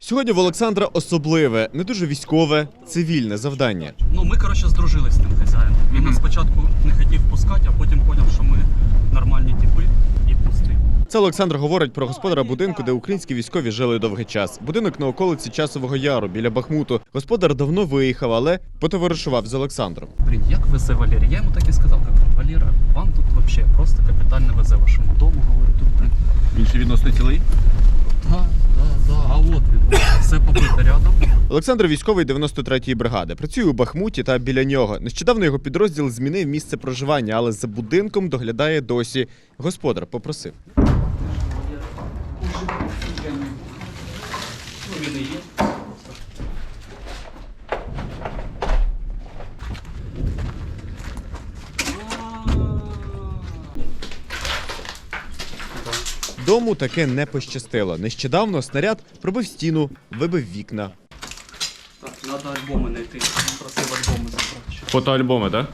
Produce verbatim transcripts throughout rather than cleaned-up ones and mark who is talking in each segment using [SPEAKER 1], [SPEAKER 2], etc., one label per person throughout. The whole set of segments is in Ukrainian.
[SPEAKER 1] Сьогодні в Олександра особливе, не дуже військове, цивільне завдання.
[SPEAKER 2] Ну, ми, коротше, здружились з тим хазяїном. Він нас спочатку не хотів пускати, а потім зрозумів, що ми нормальні типи і пустив.
[SPEAKER 1] Це Олександр говорить про господара будинку, де українські військові жили довгий час. Будинок на околиці Часового Яру, біля Бахмуту. Господар давно виїхав, але потоваришував з Олександром.
[SPEAKER 2] Блін, як везе Валерій? Я йому так і сказав, кажу, Валера, вам тут взагалі просто капітально везе вашому дому, говорю, тут, блін.
[SPEAKER 3] Він ще відносно цілий?
[SPEAKER 2] Так, так, так, а от він, все побите рядом.
[SPEAKER 1] Олександр військовий дев'яносто третьої бригади. Працює у Бахмуті та біля нього. Нещодавно його підрозділ змінив місце проживання, але за будинком доглядає досі. Господар попросив. Дому таке не пощастило. Нещодавно снаряд пробив стіну, вибив вікна.
[SPEAKER 2] Так, треба альбоми знайти. Він просив альбоми забрати.
[SPEAKER 3] Фотоальбоми, так?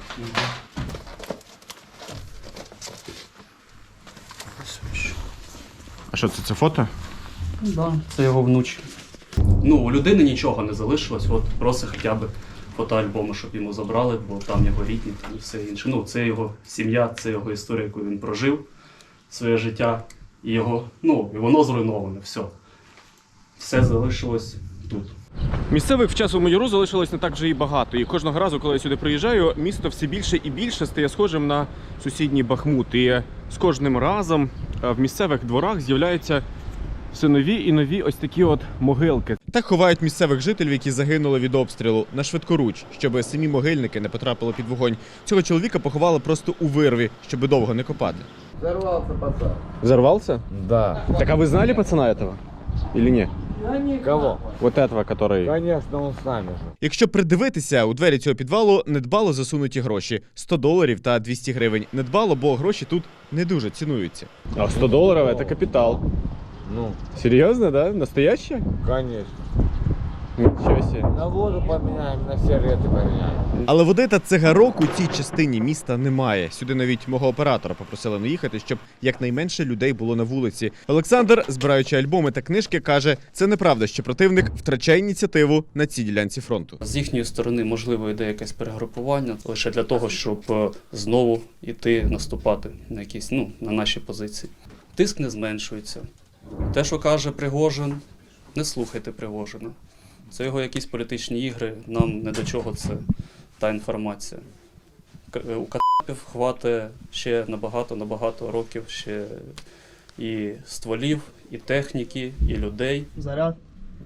[SPEAKER 3] А що це, це фото?
[SPEAKER 2] Ну, да, це його внучі. Ну, у людини нічого не залишилось, от просить хоча б фотоальбоми, щоб йому забрали, бо там його рідні і все інше. Ну, це його сім'я, це його історія, яку він прожив, своє життя, і його, ну, і воно зруйноване, все. Все залишилось тут.
[SPEAKER 3] Місцевих в Часовому Яру залишилось не так вже і багато. І кожного разу, коли я сюди приїжджаю, місто все більше і більше стає схожим на сусідній Бахмут. І з кожним разом в місцевих дворах з'являються все нові і нові ось такі от могилки.
[SPEAKER 1] Так ховають місцевих жителів, які загинули від обстрілу, на швидкоруч, щоб самі могильники не потрапили під вогонь. Цього чоловіка поховали просто у вирві, щоб довго не копати.
[SPEAKER 4] Взорвался пацан.
[SPEAKER 3] Взорвался?
[SPEAKER 4] Да.
[SPEAKER 3] Так а вы знали пацана этого? Или нет?
[SPEAKER 4] Кого?
[SPEAKER 3] Вот этого, который...
[SPEAKER 4] Конечно, он с нами же.
[SPEAKER 1] Якщо придивитися, у двері цього підвалу недбало засунуті гроші – сто доларів та двісті гривень. Недбало, бо гроші тут не дуже цінуються.
[SPEAKER 3] А сто долларов это капитал.
[SPEAKER 4] Ну,
[SPEAKER 3] Серьезно, да? Настоящее?
[SPEAKER 4] конечно.
[SPEAKER 3] Ничего себе.
[SPEAKER 4] На воду поменяем, на сигареты поменяем.
[SPEAKER 1] Але води та цигарок у цій частині міста немає. Сюди навіть мого оператора попросили не їхати, щоб якнайменше людей було на вулиці. Олександр, збираючи альбоми та книжки, каже, це неправда, що противник втрачає ініціативу на цій ділянці фронту.
[SPEAKER 2] З їхньої сторони, можливо, йде якесь перегрупування, лише для того, щоб е, знову йти наступати на якісь, ну, на наші позиції. Тиск не зменшується. Те, що каже Пригожин, не слухайте Пригожина. Це його якісь політичні ігри, нам не до чого це та інформація. К- У кацапів хватить ще набагато-набагато років ще і стволів, і техніки, і людей.
[SPEAKER 5] Заряд.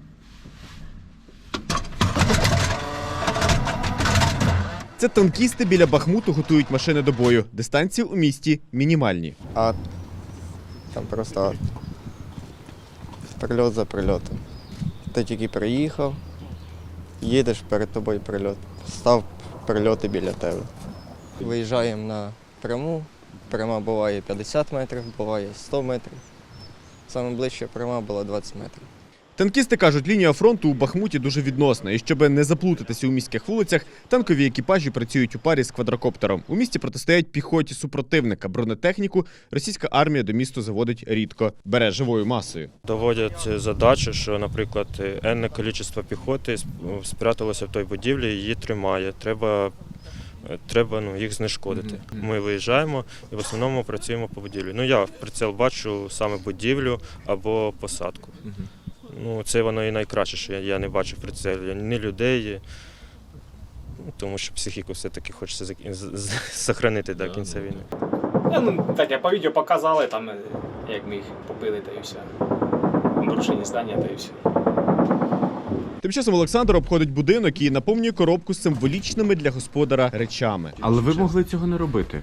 [SPEAKER 1] Це танкісти біля Бахмуту готують машини до бою. Дистанції у місті мінімальні.
[SPEAKER 6] Ад. Там просто ад. Прильот за прильотом. Ти тільки приїхав, їдеш, перед тобою прильот. Став прильоти біля тебе. Виїжджаємо на пряму. Пряма буває п'ятдесят метрів, буває сто метрів. Саме ближча пряма була двадцять метрів.
[SPEAKER 1] Танкісти кажуть, лінія фронту у Бахмуті дуже відносна. І щоб не заплутатися у міських вулицях, танкові екіпажі працюють у парі з квадрокоптером. У місті протистоять піхоті супротивника. Бронетехніку російська армія до місту заводить рідко. Бере живою масою.
[SPEAKER 7] Доводять задачу, що, наприклад, енне кількість піхоти спряталося в той будівлі, її тримає. Треба, треба ну, їх знешкодити. Ми виїжджаємо і в основному працюємо по будівлі. Ну, я в прицел бачу саме будівлю або посадку. Ну, це воно і найкраще, що я, я не бачу в прицелі ні людей, ну, тому що психіку все-таки хочеться зберігати до кінця війни.
[SPEAKER 8] Ну, так, я по відео показали, там, як ми їх побили, та і все. Нарушення здання, та і все.
[SPEAKER 1] Тим часом Олександр обходить будинок і наповнює коробку з символічними для господара речами.
[SPEAKER 3] Але ви могли цього не робити.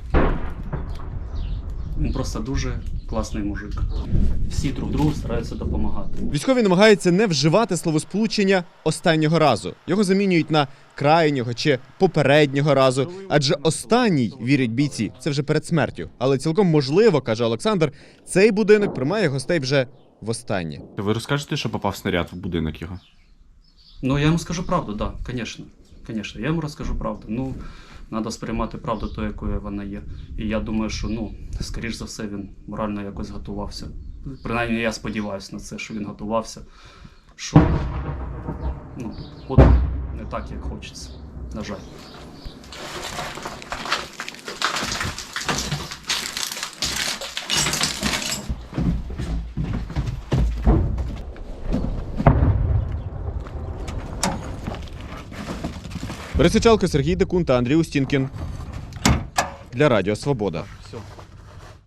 [SPEAKER 2] Він просто дуже класний мужик. Всі друг другу стараються допомагати.
[SPEAKER 1] Військові намагаються не вживати словосполучення «останнього разу». Його замінюють на «крайнього» чи «попереднього разу». Адже останній, вірять бійці, це вже перед смертю. Але цілком можливо, каже Олександр, цей будинок приймає гостей вже востаннє.
[SPEAKER 3] Ви розкажете, що попав снаряд в будинок його?
[SPEAKER 2] Ну, я йому скажу правду, так, да, звісно. Звісно, я йому розкажу правду. Ну, треба сприймати правду тою, якою вона є. І я думаю, що, ну, скоріш за все, він морально якось готувався. Принаймні, я сподіваюся на це, що він готувався. Що так, як хочеться. На жаль.
[SPEAKER 1] Борис Ічалко, Сергій Декун та Андрій Устінкін для Радіо Свобода.